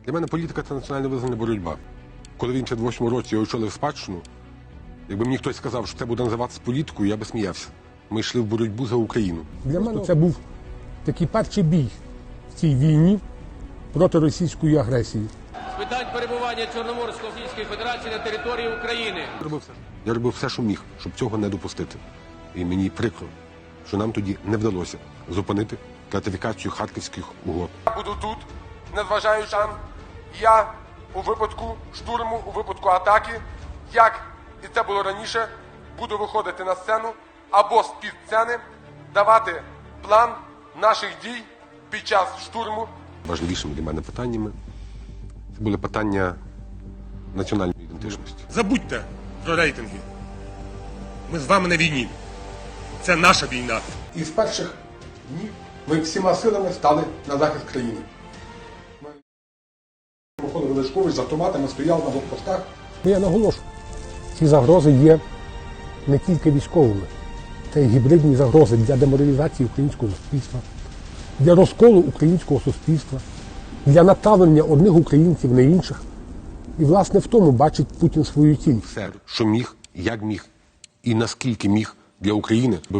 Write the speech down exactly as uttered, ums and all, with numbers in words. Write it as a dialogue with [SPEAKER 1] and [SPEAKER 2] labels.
[SPEAKER 1] Для мене політика – це національно визнана боротьба. Коли в вісімдесят восьмому році я очолив спадщину, якби мені хтось сказав, що це буде називатися політикою, я би сміявся. Ми йшли в боротьбу за Україну.
[SPEAKER 2] Для мене це був такий перший бій в цій війні проти російської агресії.
[SPEAKER 3] З питань перебування Чорноморсько-Російської Федерації на території України.
[SPEAKER 1] Я робив все. Я робив все, що міг, щоб цього не допустити. І мені прикро, що нам тоді не вдалося зупинити ратифікацію Харківських угод.
[SPEAKER 4] Я буду тут, незважаючи, я у випадку штурму, у випадку атаки, як і це було раніше, буду виходити на сцену або з-під сцени, давати план наших дій під час штурму.
[SPEAKER 1] Важливішими для мене питаннями це були питання національної ідентичності.
[SPEAKER 5] Забудьте про рейтинги. Ми з вами на війні. Це наша війна.
[SPEAKER 2] І з перших днів ми всіма силами стали на захист країни. Ми виходили Величкович з автоматами, стояли на блокпостах. Я наголошую, ці загрози є не тільки військовими. Це і гібридні загрози для деморалізації українського суспільства, для розколу українського суспільства, для направлення одних українців на інших. І, власне, в тому бачить Путін свою ціль.
[SPEAKER 1] Все, що міг, як міг і наскільки міг для України.